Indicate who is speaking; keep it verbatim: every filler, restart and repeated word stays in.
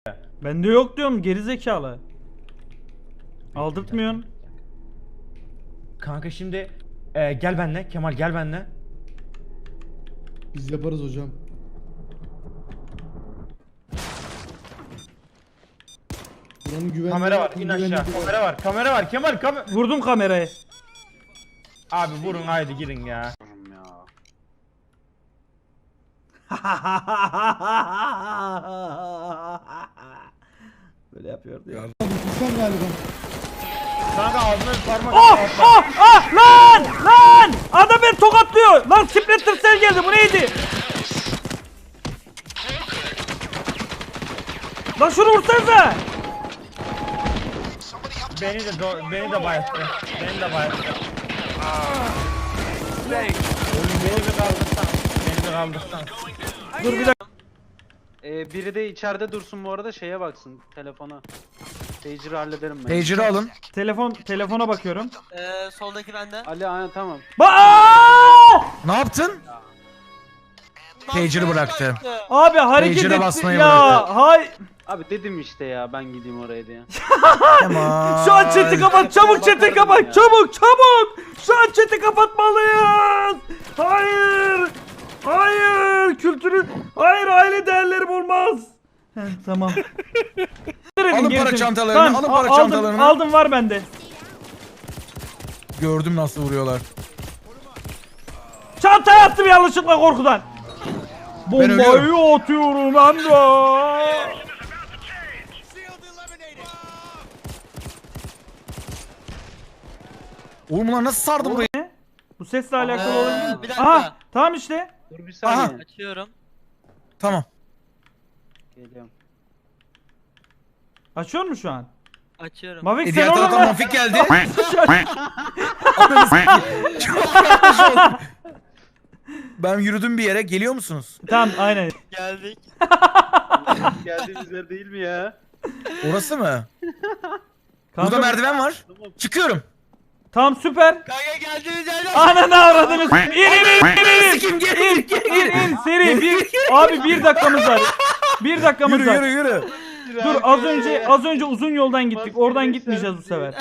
Speaker 1: Bende yok diyorum gerizekalı. Aldırtmıyorsun.
Speaker 2: Kanka şimdi e, gel benle Kemal gel benle.
Speaker 3: Biz yaparız hocam. Buranın güvenliği...
Speaker 2: Kamera var in
Speaker 3: güvenliği
Speaker 2: aşağı.
Speaker 3: var.
Speaker 2: Kamera var kamera var Kemal kamera.
Speaker 1: Vurdum kamerayı.
Speaker 2: Abi vurun haydi girin ya.
Speaker 1: Böyle yapıyordu ya.
Speaker 3: Furkan galiba.
Speaker 2: Kanka ağzına bir parmak
Speaker 1: Oh
Speaker 2: at.
Speaker 1: oh oh lan lan adam beni tokatlıyor lan. Splinter Cell geldi, bu neydi? Lan şunu vursanıza.
Speaker 2: Beni de do- beni de bayılttı. Beni de bayılttı. Oğlum beni bir kaldırsan. Beni bir kaldırsan.
Speaker 1: Dur bir dakika.
Speaker 4: Ee, biri de içeride dursun bu arada, şeye baksın, telefona. Pager'ı hallederim ben.
Speaker 5: Pager'ı alın.
Speaker 1: Telefon telefona bakıyorum.
Speaker 6: Ee, soldaki bende.
Speaker 4: Ali aynen tamam.
Speaker 1: Ba
Speaker 5: Ne yaptın? Pager'ı bıraktı.
Speaker 1: Abi hareket
Speaker 5: Pager'a
Speaker 1: etti
Speaker 5: basmayı
Speaker 1: ya.
Speaker 5: bıraktı.
Speaker 1: Hay.
Speaker 4: Abi dedim işte ya, ben gideyim oraya diye.
Speaker 5: Tamam.
Speaker 1: Şu an chat'i kapat, çabuk chat'i
Speaker 4: Bakardım
Speaker 1: kapat,
Speaker 4: ya.
Speaker 1: çabuk çabuk. Şu an chat'i kapatmalıyız. Hayır. Hayır, kültürü. Hayır, aile değerlerim olmaz. Heh, tamam.
Speaker 5: Alın para
Speaker 1: Gerisini-
Speaker 5: çantalarını,
Speaker 1: Tamam,
Speaker 5: alın para
Speaker 1: a- aldım,
Speaker 5: çantalarını.
Speaker 1: Aldım, var bende.
Speaker 5: Gördüm nasıl vuruyorlar.
Speaker 1: Çantaya attım yanlışlıkla korkudan.
Speaker 5: ölüyorum.
Speaker 1: Bombayı atıyorum ben de.
Speaker 5: Oğlum bunlar nasıl sardı burayı?
Speaker 1: Ne? Bu sesle alakalı
Speaker 6: Ee,
Speaker 1: olabilir mi?
Speaker 6: bir dakika.
Speaker 1: Aha, tamam işte.
Speaker 4: Dur bir saniye.
Speaker 6: Açıyorum.
Speaker 5: Tamam.
Speaker 4: Geliyorum.
Speaker 1: Açıyor mu şu an?
Speaker 6: Açıyorum.
Speaker 1: Mavik
Speaker 5: E
Speaker 1: sen
Speaker 5: diğer
Speaker 1: orada
Speaker 5: taraftan
Speaker 1: mı?
Speaker 5: Mafik geldi. Ben yürüdüm bir yere. Geliyor musunuz?
Speaker 1: Tamam, aynen.
Speaker 6: Geldik.
Speaker 4: Geldiğimiz yer değil mi ya?
Speaker 5: Orası mı?
Speaker 1: Kanka,
Speaker 5: Burada merdiven var. Çıkıyorum.
Speaker 1: Tamam, süper.
Speaker 6: Kanka geldiğimiz yerden.
Speaker 1: Ananı avradınız. İn in in in in.
Speaker 5: Sikim gel.
Speaker 1: İn in in seri bir. Abi bir dakikamız var. Bir dakikamız
Speaker 5: Yürü
Speaker 1: var.
Speaker 5: yürü yürü.
Speaker 1: Dur, az önce az önce uzun yoldan gittik. Oradan gitmeyeceğiz bu sefer.